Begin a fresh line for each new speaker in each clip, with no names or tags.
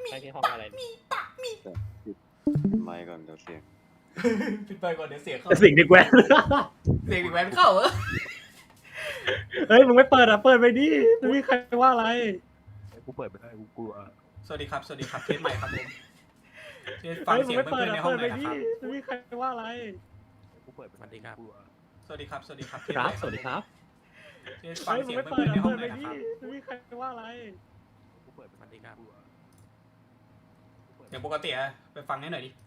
ไปที่ห้องอะไร
ปิ
ดิ
ดไมค์ก่อนเดี๋ยวเสียง
ปิดไฟก่อนเดี๋ยวเสียงเข้า
สิ่งดีแกวน
เสียงแหวนเข้าเหรอ
เฮ้ยมึงไม่เปิดอ่ะเปิดไปดิไม่มีใครว่าอะไร
กูเปิดไม่ได้กูกลัว
สวัสดีครับเทสใหม่ครับผมเทสฟัง
เฮ้ยมึ
เสี
ง
ยง
ไม่เปิ
เพื่
ด
อนๆใน
อ่ะ
ห้อ
เปิ
ง
ด
ห
ไป
น่อย
ดิ
นะครับ
ไม่มีใครว่าอะไร
กูเปิดไม่ได้กลัว
สวัสดีครับเทส
ค
ให
รั
ม่
บสวัสดีครับ
เทสฟัง
เฮ้ยมึ
เสี
ง
ยง
ไม่
เพื่
เปิ
อ
ด
นๆใน
อ่ะ
ห้อ
เปิ
ง
ด
ห
ไป
น่อย
ดิ
นะครับ
ไม่มีใครว่าอะไร
กูเปิดไม่ได้กลัว
อย่างปกติอะไปฟังให้หน่อยดิ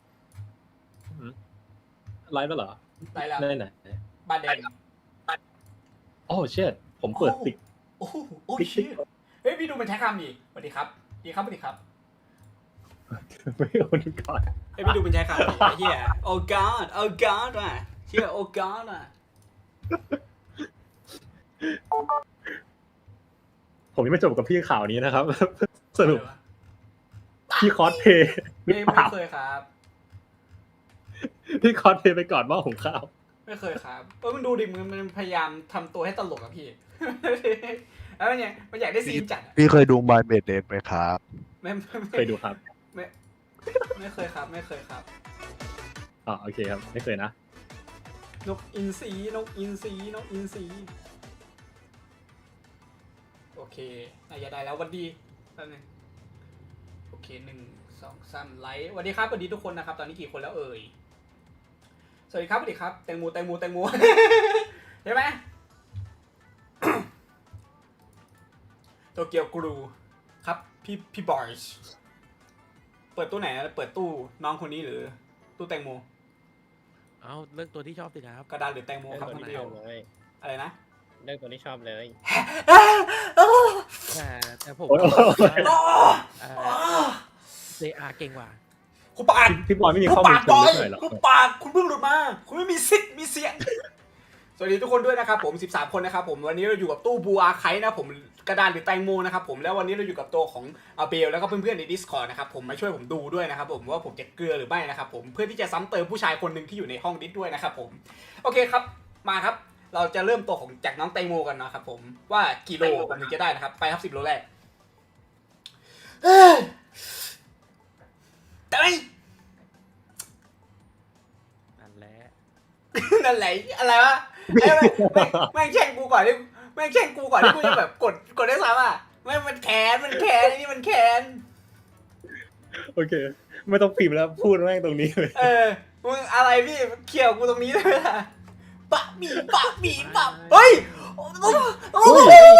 ไลฟ์แล้วเหรอ
ได้แล้ว
ได้ไหน
บ้านแดง
โอ้เชิดผมเปิดติ๊ก
โอ้โหโอ้ยเชี่ยเฮ้ยพี่ดูมันใช้คำดิสวัสดีครับดีครับสวัสดีครับ
ไม่โอนก่อน
เฮ้ยพี่ดูมันใช้คำดิไอ้เหี้ยโอ้ god โอ้ god อ่ะเชี่ยโอ้ god อ่ะ
ผมยังไม่จบกับพี่ข่าวนี้นะครับ สรุปพี่คอสเพย์หรือ
ไม่
เปล่า
เคยครับ
พี่คอสเพย์ไปก่อนหม้อหุงข้าว
ไม่เคยครับมันดูดิมันพยายามทำตัวให้ตลกอะพี่ แล้วเนี่ยมันอยากได้ซีนจัดอะ
พี่เคยดูบายเมดเดนไหมครับ
เคยดูครับ
ไม่เคยครับไม่เคยครับ
อ๋อโอเคครับ ไม่เคยนะ
นกอินทรีนกอินทรีนกอินทรีโอเคน่าจะได้แล้ววันดีแป๊บนึงโอเค1 2 3ไลค์สวัสดีครับสวัสดีทุกคนนะครับตอนนี้กี่คนแล้วเอ่ยสวัสดีครับสวัสดีครับแตงโม ใช่ไหม โตเกียวกรูครับพี่บอยส์เปิดตู้ไหนนะเปิดตู้น้องคนนี้หรือตู้แตงโม
เอาเลือกตัวที่ชอบสิครับ
กระดานหรือแตงโม
เลือก
ครับ
ตัว
พี่
ที่
เดี
ช
ย
อ
ว
บเลย
อะไรนะ
เลือกตัวที่ชอบเลย แต่ผม
โอ้ย
เซอาเก่งกว่า
คุณปาก
พี่บอยไม่มี
คุณ
ข้อมู
ปา
ล
ก
เชิ
บ
ง
อ
ลึ
ย
กหน่อยเหรอ
คุณปากคุณเพิ่งหลุดมา คุณไม่มีสิทธิ์มีเสียง สวัสดีทุกคนด้วยนะครับผม13คนนะครับผมวันนี้เราอยู่กับตู้บูอาไคนะผมกระดานหรือแตงโมนะครับผมแล้ววันนี้เราอยู่กับตัวของอาเบลแล้วก็เพื่อนๆใน Discord นะครับผมมาช่วยผมดูด้วยนะครับผมว่าผมจะเกลือหรือไม่นะครับผมเพื่อที่จะซ้ำเติมผู้ชายคนหนึ่งที่อยู่ในห้องดิสด้วยนะครับผมโอเคครับมาครับเราจะเริ่มตัวของจากน้องแตงโมกันนะครับผมว่ากี่โลผมถึงจะได้นะครับไปครับ10 โลแรกแต่ไม่
นั่นแหละ
นั่นแหละอะไรวะไอ้แม่งแช่งกูก่อนที่แม่งแช่งกูก่อนที่กูจะแบบกดได้ซ้ำอ่ะไม่มันแค้นไอ้นี่มันแค้น
โอเค ไม่ต้องพิมพ์แล้วพูดแม่งตรงนี้เลย
มึงอะไรพี่เขี่ยวกูตรงนี้เลยล่ะปะหมีเฮ้ยโอ้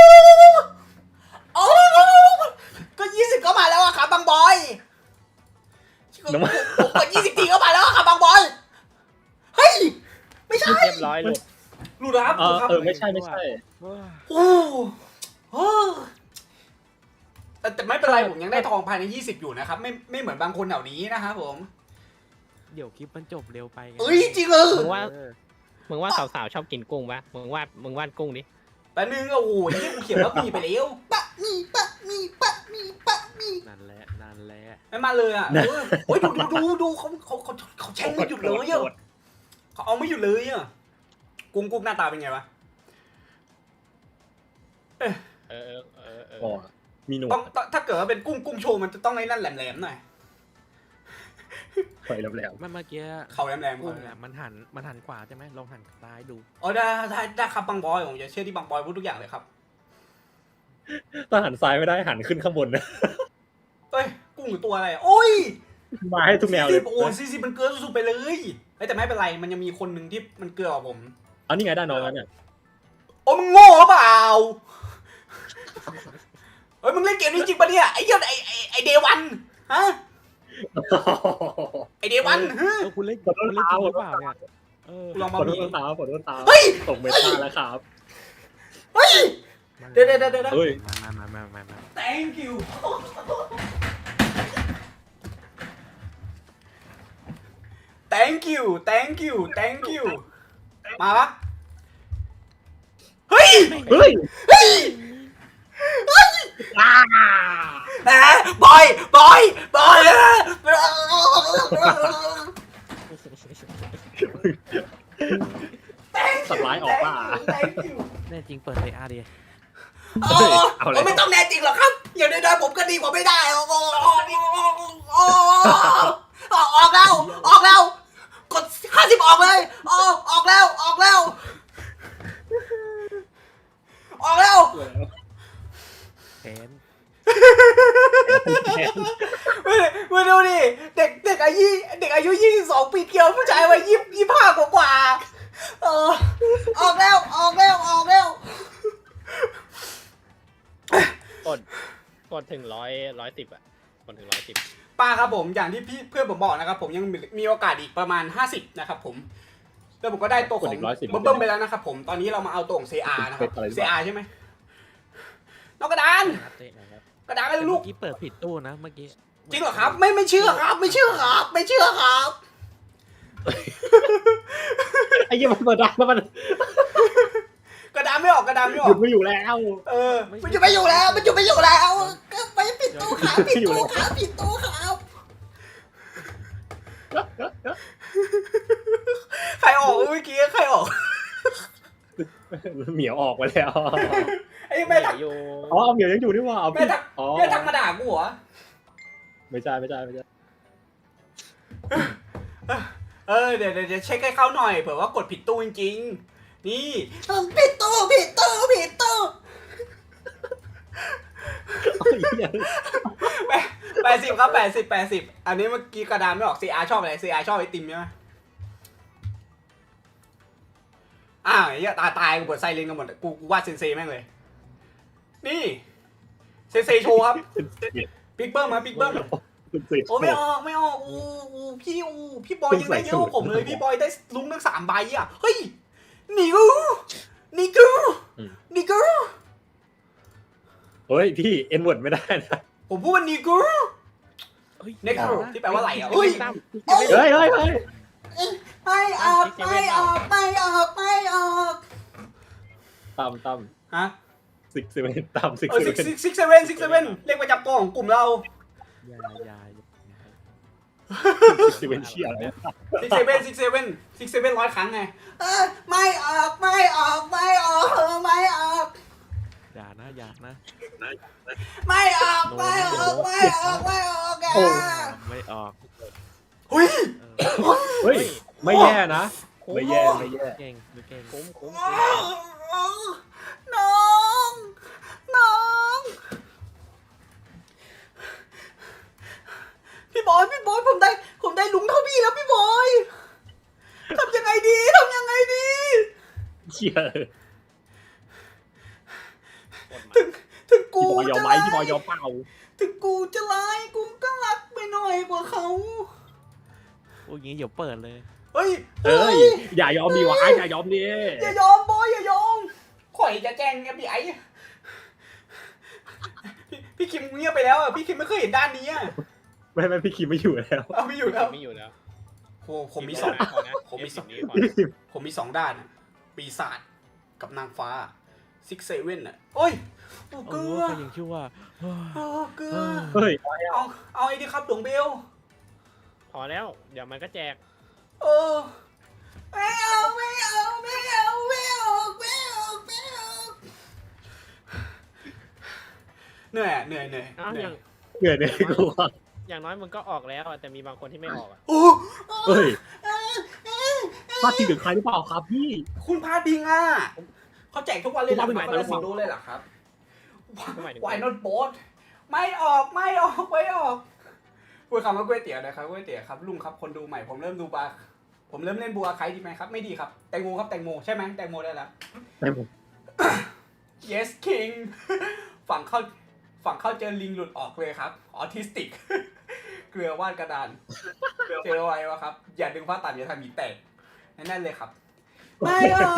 ก็20ก็มาแล้วอะครับบางบอยผมกด20 ทีก็มาแล้วอะครับบางบอยเฮ้ยไม่ใช่
เรียบร้อยหลุด
หลุดครับ
ไม่ใช่
โอ้โหแต่ไม่เป็นไรผมยังได้ทองภายใน20อยู่นะครับไม่เหมือนบางคนแถวนี้นะครับผม
เดี๋ยวคลิปมันจบเร็วไปไง
เอ้ยจริงเหรอ
มึงว่าสาวๆชอบกินกุ้งปะมึงวาดกุ้งดิ
แป๊บนึงโอ้โหนี่กูเขียนว่ามีไปแล้วปะมี
นั่นแหละ
ไม่มาเลยอ่ะโอ้ยดูเขาแช่งไม่หยุดเลยอ่ะเขาเอาไม่หยุดเลยอ่ะกุ้งหน้าตาเป็นไงวะ
อ๋อมีหนว
ต้อ
ด
งถ้าเกิดว่าเป็นกุ้งโชว์มันจะต้องไอ้นั่นแหลมๆหน่อย
ไฟแหลม
เมื่อกี้
เขาแหลมๆ
กุ้ง
เขาแหล
อะ
ม
มันหันขวาใช่ไหมลองหันซ้ายดู
อ๋อได้ครับบางบอยผมจะเชื่อที่บางบอยพูดทุกอย่างเลยครับ
ๆถ้าหันซ้ายไม่ได้หันขึ้นข้างบนนะ
เอ้ยกุ้งหรือตัวอะไรโอ้ย
มาให้ทุกแนวเลย
โอ้40มันเกินสุดๆไปเลยแต่ไม่เป็นไรมันยังมีคนหนึ่งที่มันเกินกว่าผม
เอานี่ไงได้น้องแล้วเนี่ย
โอ้มึงโง่หรือเปล่าเฮ้ยมึงเล่นเกมนี้จริงปะเนี่ยไอ้เหี้ยไอ้เดวันฮะไอ้เดวันฮะ
คุณเล่นจริงหรือเปล่าเนี่ย
ลอง
ข
มา
อโท
บี
ษตาขอโทษตา
เฮ้ย
ตกเมตาแล้วครับ
เฮ้ยเดี๋ยว
เฮ้ย
มา
thank you thank you มาปะเฮ้ย
เฮ้ย
นะบอย
สัตว์ร้ายออกป่ะ
thank you
แน่จริงเปิดเซอาดิ
ไม่ต้องแน่จริงหรอกครับอย่างน้อยๆผมก็ดีกว่าไม่ได้โอ้โหดีเด็กอายุ22 ปีเกี่ยวผู้ชายวัย25กว่าออกแล้ว
กดถึง110อะกดถึง110
ป้าครับผมอย่างที่เพื่อนผมบอกนะครับผมยังมีโอกาสอีกประมาณ50นะครับผมแล้วผมก็ได้ตัวของเบิ้มไปแล้วนะครับผมตอนนี้เรามาเอาตัวของ CR นะครับ CR ใช่ไหมนอกกระดาน กระดานไม่ลูก
เมื่อกี้เปิดผิดตู้นะเมื่อกี้
จริงเหรอครับไม่เชื่อครับไม่เชื่อครับ
ไอ้เหี้ยมันเปิดได้แล้วมัน
กระดานไม่ออก
หยุดไม่อยู่แล้ว
มันจะไม่อยู่แล้วก็ไปปิดตู้ครับปิดตู้ครับใครออกเมื่อกี้ใครออก
เหมียวออกไปแล้ว
ไอ้แม่ทัก
อยู่
อ๋อเอาเหมียวยังอยู่นี่หว่าเอา
แม่
พี่
ทัก
อ๋อ
แม่ทักมาด่ากูเหรอ
ไม่ใช่
เดี๋ยวเช็คให้เขาหน่อยเผื่อว่ากดผิดตู้จริงๆนี่ผิดตู้
ไอ้เหี้ย
80ครับ80อันนี้เมื่อกี้กระดานไม่ออก CR ชอบอะไร CR ชอบไอติมใช่ไหมอ้าวไอ้เหี้ยตายกูเปิดไซเรนกันหมดกูวาดเซนเซแม่งเลยนี่เซนเซโชว์ครับปิ๊กเบิ้มมาปิ๊กเบิ้มโอ้ไม่ออกพี่บอยยังได้เยอะกว่าผมเลยพี่บอยได้ลุ้งทั้ง3ใบอ่ะเฮ้ยนี่กู
เฮ้ยพี่เอ็นเวิร์ดไม่ได้นะ
ผมพูดว่านี่กูเน็กซ์ที่แปลว่าอะไรอ่ะเฮ้ย
เฮ้ย
ไม่ออก
ตั้ม
ฮะ
ซิกเซเว่นตั้มซิก
เออ
เซเว่น
667เลขประจำตัวของกลุ่มเรา
อย่า
ซิกเซเว่นเชี่ยอะไร
667 100 ครั้งไงไม่ออก
อย่านะ
ไม่ออก
โอ้ไม่ออก
เฮ้ย
เฮ้ยไม่แย่นะไม่แย่
เก่ง
คุ้ม
น้องพี่บอยผมได้ลุงเท่าพี่แล้วพี่บอยทำยังไงดี
เชี่ย
ถึงกู
พี่บอยยอมไหมพี่บอยยอมเปล่า
ถึงกูจะร้ายกูก็รักไปหน่อยกว่าเขา
โอ้ยงี้เดี๋ยวเปิดเลย
เฮ้ย
อย่ายอมดีวะอย่ายอมดิ
อย่ายอมบอยอย่ายอมข่อยจะแจ้ง FBI พี่คิมเงียบไปแล้วอ่ะพี่คิมไม่เคยเห็นด้านนี้อ่ะ
ไม่พี่คิมไม่อยู่แล้ว
เอาไม่อยู่แล้ว
ไม่อยู่แล้ว
โหผมมีสอง ผมมีสอง ผมมี2 ด้านอ่ะปีศาจกับนางฟ้า67อ่ะโอ้ยเกลือ
ก็ยังคิดว่า
เกลือ
เฮ้ย
เอาไอ้ดิครับดวงเบล
พอแล้วเดี๋ยวมันก็แจก
ไม่เอาเหนื่อย
อ้าวอย่าง
เหนื่อยเนี่ยกูว่า
อย่างน้อยมึงก็ออกแล้วอะแต่มีบางคนที่ไม่ออกอะ
โอ้
เฮ้ยพลาดทีถึงใครหรือเปล่าครับพี่
คุณพาดิงอ่ะเขาแจกทุกวันเลยเหรอครับคนละ10 โลเลยเหรอครับ Why not both ไม่ออกพูดคำว่าก๋วยเตี๋ยวนะครับก๋วยเตี๋ยวครับลุงครับคนดูใหม่ผมเริ่มเล่นบัวไคดีไหมครับไม่ดีครับแตงโมครับแตงโมใช่ไหมแตงโมได้แล้ว yes king ฝั่งเข้าเจอลิงหลุดออกเลยครับออทิสติก เกลือวาดกระดานเจอไว้วะครับอย่าดึงผ้าตัดอย่าทำหมีแตกนั่นเลยครับไม่ออก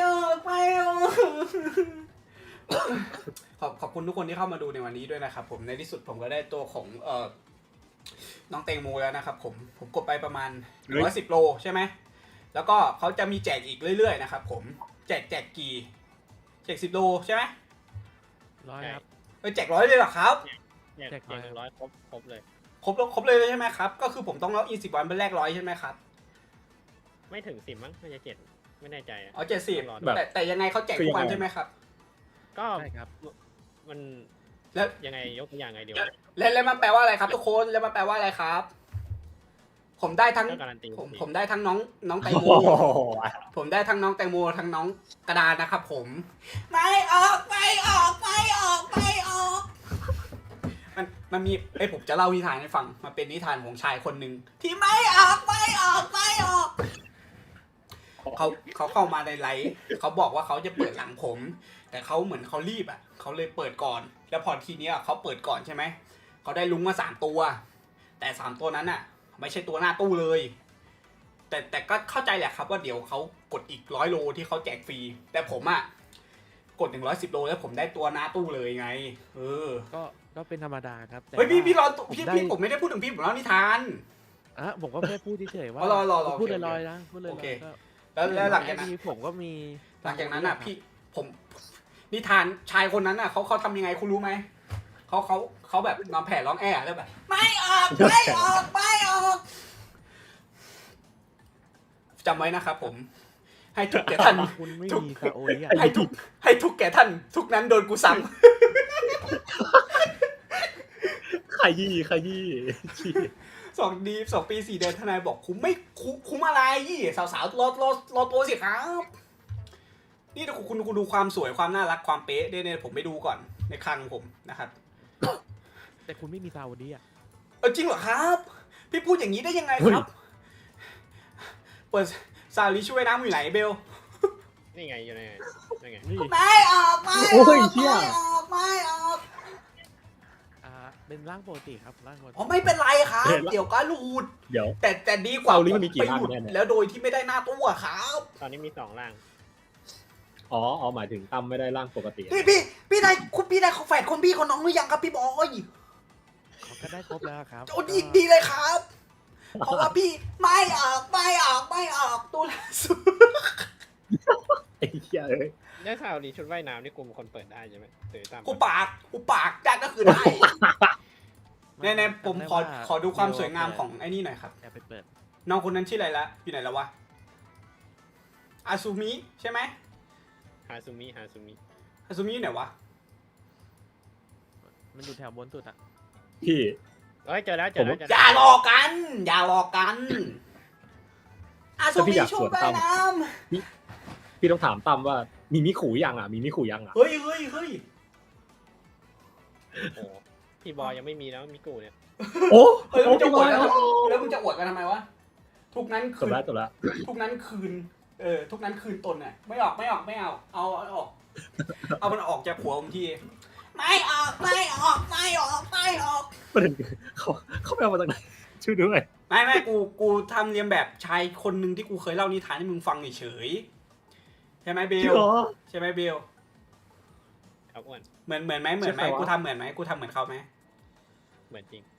ขอบคุณทุกคนที่เข้ามาดูในวันนี้ด้วยนะครับผมในที่สุดผมก็ได้ตัวของน้องแตงโมแล้วนะครับผมกดไปประมาณ110 โลใช่ไหมแล้วก็เขาจะมีแจกอีกเรื่อยๆนะครับผมแจกกี่แจก10 โลใช่ไหม
100 ครับ
แจก100เลยเหรอครับ
แจก100ครบเลย
ครบเลยใช่ไหมครับก็คือผมต้องล็อกอิน10 วันเป็นแรก100ใช่ไหมครับ
ไม่ถึง10มั้งน่าจะ7ไม่แน่ใจอะ
อ๋อ70
แบบ
แต่ยังไงเขาแจกทุกวันใช่ไหมครับ
ก็
ใช่ครับ
มัน
แล้ว
ยังไงยกตัวอย่างไงเดียว
แล้วมันแปลว่าอะไรครับทุกคนแล้วมันแปลว่าอะไรครับ ผมได้ทั้ง
ก็การันตี
ผมได้ทั้งน้องแตงโม
โอ้โห
ผมได้ทั้งน้องแตงโมทั้งน้องกระดานนะครับผมไม่ออกมันมีผมจะเล่านิทานให้ฟังมันเป็นนิทานของชายคนหนึ่งที่ไม่ออกเขาเข้ามาในไลฟ์เขาบอกว่าเขาจะเปิดหลังผม แต่เขาเหมือนเขารีบอ่ะเขาเลยเปิดก่อน แล้วพอทีเนี้ยเขาเปิดก่อนใช่ไหมเขาได้ลุงมา3 ตัว แต่3 ตัวนั้นอ่ะ ไม่ใช่ตัวหน้าตู้เลย แต่ก็เข้าใจแหละครับว่าเดี๋ยวเขากดอีก100 โลที่เขาแจกฟรีแต่ผมอ่ะกด110 โลแล้วผมได้ตัวหน้าตู้เลยไง
ก็เป็นธรรมดาครับแต่
เฮ้ยพี่รอ
ผม
พี่
ได้
ผมไม่ได้พูดถึงพี่ผมเล่านิทาน
ผมก็แค่พูดเฉยๆว่า
รอ
พูด
โอเค
ลอยๆนะพูดลอย
โอเค
ๆก็
แล้วหลังจากนั้น
ผมก็มี
หลังจากนั้นอ่ะพี่ผมนิทานชายคนนั้นอ่ะเขาทำยังไงคุณรู้ไหมเขาแบบนอนแผ่ร้องแอ่แล้วแบบไม่ออกจำไว้นะครับผมให้ทุกแก่ท่าน
คุณไม่
ทุก
มีซาโอริอ่ะ
ให้ทุกแก่ท่านทุกนั้นโดนกูซ้
ขยี้ชี้
ำ2 ปี 4 เดือนทนายบอกคุ้มไม่คุ้มอะไรสาวๆรอตัวสิครับ นี่คุณดูความสวยความน่ารักความเป๊ะเนี่ยผมไปดูก่อนในคลังผมนะครับ
แต่คุณไม่มีซาโอริอ่ะ
จริงเหรอครับ พี่พูดอย่างนี้ได้ยังไงครับ เปิดซาลิช่วยน้ำอยู่ไหนเบล
นี่ไงอยู่ในนี่ไง
นี่
ไม่ออก
โอ้ยเชี่ย
เป็นร่างปกติครับร่างปกติ
อ๋อไม่เป็นไรครับ เดี๋ยวก็รูด
เดี๋ยว
แต่ดีกว่า
ซาลิมันมีกี่
ไป
ร่าง
หลุด
แน่เนี่ย
แล้วโดยที่ไม่ได้หน้าตู้อะครับ
ตอนนี้มี2 ร่าง
อ๋อหมายถึงตั้มไม่ได้ร่างปกติ
พี่ได้แฝดคนพี่คนน้องหรือยังครับพี่บอย
เขาก็ได้ครบแล้วครับ
โอ้ดีเลยครับ เพราะว่าพี่ไม่ออกตู้ล่าสุด
ไอ้เหี้ยเอ้ย
ได้ข่าวดีชุดว่ายน้ำนี่กูเป็นคนเปิดได้ใช่ไหมหรือตาม
กูปากได้ก็คือได้แน่ๆผมขอดูความสวยงามของไอ้นี่หน่อยครับ
อย่าไปเปิด
น้องคนนั้นชื่ออะไรละอยู่ไหนแล้ววะอาซูมิใช่ไหม
ฮาซูมิ
อาซูมิอยู่ไหนวะ
มันอยู่แถวบนสุดอ่ะ
พี่
เฮ้ยเจอแล้ว
อย่าหลอกกันอาซูมิช่วยไปน้
พี่ต้องถามตั้มว่ามีมิขู่ยัง
ำเฮ้ย
โอ้พี่บอยยังไม่มีแล้วมิกูเนี่ย
โอ้
แล้วมึงจะ
พี่
อบ ว
อ
ด
ย
กันแล้วมึงจะอวดกันทำไมวะทุกนั้น
จ
คื
บ
น
แล้ว
ทุกนั้นคืนทุกนั้นคืนตนน่ะไม่ออกเอาออกเอามันออกจากหัวผมทีไม่ออก
ประเด็นคือเขาไปเอามาจากไหนช่วยด้วย
ไม่กูทำเรียนแบบชายคนหนึ่งที่กูเคยเล่านิทานให้มึงฟังเฉยใช่ไหมเบ
จริง
ล
เหรอ
ใช่ไหมเบล
เอาอ้วน
เหมือนไหม
ใช่ใครวะ
กูทำเหมือนไหมกูทำเหมือนเขาไหม
เหมือนจริง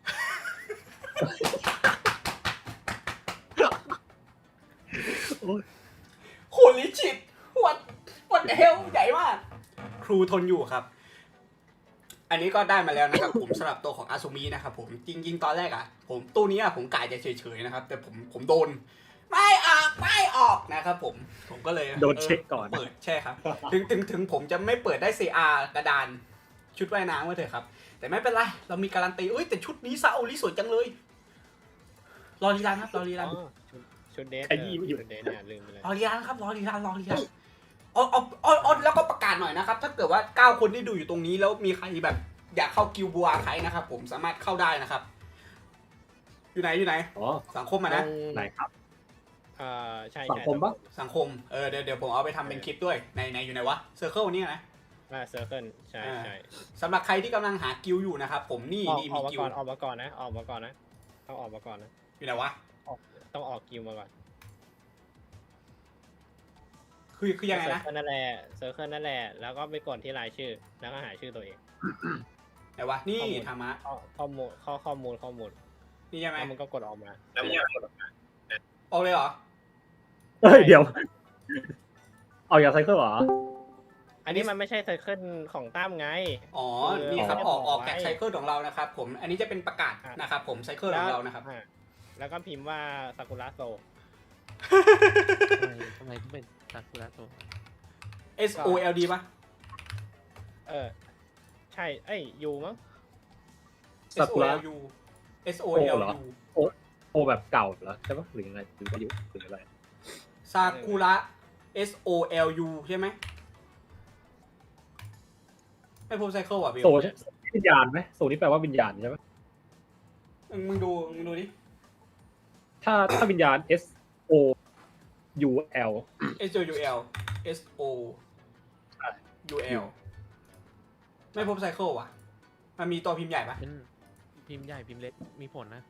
โหลิชิตวัดเฮลใหญ่มากครูทนอยู่ครับ อันนี้ก็ได้มาแล้วนะครับ ผมสำหรับตัวของอาซูมินะครับผมจริงๆตอนแรกอ่ะผมตู้นี้ผมกะจะเฉยๆนะครับ แต่ผมโดนไม่ออกนะครับผมก็เลย
โดนเช็คก่อน
เปิดใช่ครับ ถึงผมจะไม่เปิดได้ CR กระดานชุดว่ายน้ำไว้เถอะครับ แต่ไม่เป็นไรเรามีการันตีแต่ชุดนี้ซาโอริสวยจังเลยรอรีรันครับรอรีรัน
ชุดเดท
ขยี้ไม่หยุด
ชุดเดทเนี่ยลืมไปเลย
รอรีรันครับรอรีรันเอาแล้วก็ประกาศหน่อยนะครับ ถ้าเกิดว่า9 คนที่ดูอยู่ตรงนี้แล้วมีใครแบบอยากเข้ากิลบัวใครนะครับผมสามารถเข้าได้นะครับ อยู่ไหน
อ๋อ
สังคมอ่ะนะ
ไหนครับ
ใช่
สังคมปะ
สังคมเดี๋ยวผมเอาไปทำเป็นคลิปด้วยในอยู่ไหนวะเซอร์เคิลนี่นะ
เซอร์เคิลใช่ใช่
สำหรับใครที่กำลังหากิลอยู่นะครับผมนี่
อ
มี
อกมา
กิล
ก่อนออกมาก่อนนะต้องออกมาก่อนนะ
อยู่ไหนวะ
ต้องออกกิวมาก่อน
คือยังไงนะ
เซอร์เคิลนั่นแหละแล้วก็ไปกดที่รายชื่อแล้วก็หาชื่อตัวเอง
ไหนวะนี่ธรรมะ
ข้อมูล
นี่ใช่ไหม
แล้วมันก็กดออกมา
ออกเลยเหรอ
เฮ้ยเดี๋ยว เอาอย่างไซเคิลเหรอ
อันนี้มันไม่ใช่ไซเคิลของตั้มไง
อ๋อนี่ครับออกจากไซเคิลของเรานะครับผมอันนี้จะเป็นประกาศนะครับผมไซเคิลของเรานะครับ
แล้วก็พิมพ์ว่าซากุระโซ
ทำไมต้องเป็นซากุระโต
SOLD ป่ะ
ใช่ยูมั้ง
ซากุระ
SOLU SOLU
โอแบบเก่าเหรอใช่ปะหรือยังไงหรืออายุหรืออะไร
ซากุระ SOLU ใช่ไหมไม่พบไซเคิลอ่ะเบล
โซวิญญาณไหมโซนี้แปลว่าวิญญาณใช่ไหม
มึงดูดิ
ถ้าวิญญาณ S O U L
S O U L S O U L ไม่พบไซเคิลว่ะ มันมีตัวพิมพ์ใหญ่ปะ
เป็นพิมพ์ใหญ่พิมพ์เล็กมีผลนะ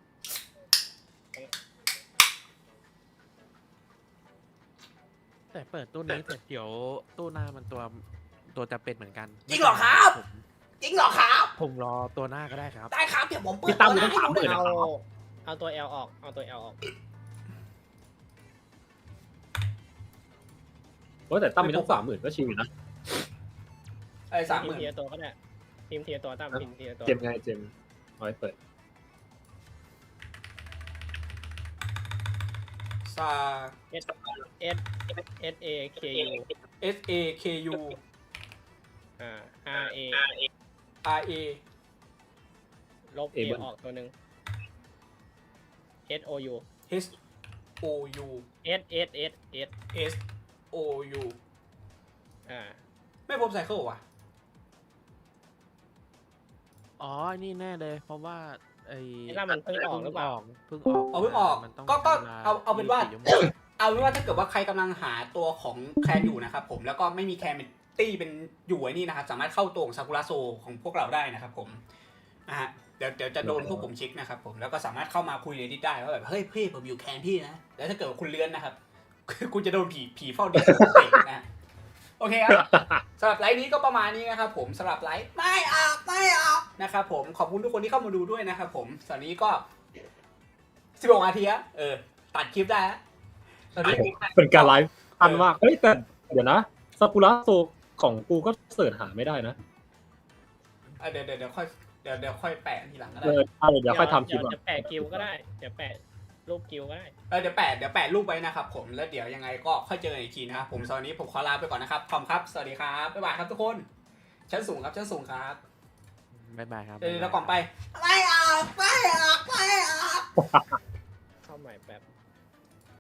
แต่เปิดตู้นี้เสร็จเดี๋ยวตู้หน้ามันตัวจะเป็นเหมือนกัน
จริงเหรอครับ จริงเหรอครับ
ผมรอตัวหน้าก็ได้ครับ
ได้ครับเดี๋ยวผมเปิด
พี่ตั้ม
ตัว
ต้อง
ให้
ถาม
ดู
เลย
นะ
นะ
เอาตัว L ออกเอาตัว L ออก
ว่าแต่ตั้มมีตั้ง30,000ก็ชิวอยู่นะ
ไอ้
พิมพ์ที
30,000
ละตัวก็ได้พิมพ์ทีละตัวตั้มพิมพ์ทีละตัว
เจมไงเจมเอาไว้เปิด
ซา
S S A K U
S A K U
R A
R A
ลบ A ออกตัวหนึ่ง S O U
H O U
S S S S
S O U ไม่พบไซเคิลว่ะ
อ๋อ นี่แน่เลย เพราะว่าไอ้
ถ้ามันเพิ่งออกหรือเปล่า
เพิ่งออก
เอาเพิ่งออก
มันต้อง
ก็
วล
เอาเป็นว่า
24ชั่โมง
เอาเป็นว่าถ้าเกิดว่าใครกำลังหาตัวของแคนอยู่นะครับผมแล้วก็ไม่มีแคนเป็นตี้เป็นอยู่ไอ้นี่นะครับสามารถเข้าตัวของซากุระโซของพวกเราได้นะครับผมนะฮะเดี๋ยวจะโดนพวกผมเช็คนะครับผมแล้วก็สามารถเข้ามาคุยในดิสได้ว่าแบบเฮ้ยพี่ผมอยู่แคนพี่นะแล้วถ้าเกิดว่าคุณเลื้อนนะครับ คุณจะโดนผีเฝ้าดิสเตะนะฮะโอเคครับสำหรับไลฟ์นี้ก็ประมาณนี้นะครับผมสำหรับไลฟ์ไม่ออกนะครับผมขอบคุณทุกคนที่เข้ามาดูด้วยนะครับผมตอนนี้ก็16 นาทีอะตัดคลิปได้แล้วตอนนี้
เป็นการไลฟ์อันมากเฮ้ยแต่เดี๋ยวนะซากุระโซของกูก็เสิร์ชหาไม่ได้นะ
เดี๋ยวค่อยเดี๋ยวค่อยแปะทีหลังก็ได้
เดี๋ยวค่อยทำคลิป
เดี๋ยว
อ่ะ
จะแปะกิวก็ได้ เดี๋ยวแปะรูปกิวก็ได้
เดี๋ยวแปะรูปไว้นะครับผมแล้วเดี๋ยวยังไงก็ค่อยเจอกันอีกทีนะครับผมตอนนี้ผมขอลาไปก่อนนะครับขอบคุณครับสวัสดีครับบ๊ายบายครับทุกคนชั้นสูงครับชั้นสูงครับ
บ๊ายบายครับ
เดี๋ยวก่อนไปไม่ออก
เข้าใหม่แป๊บ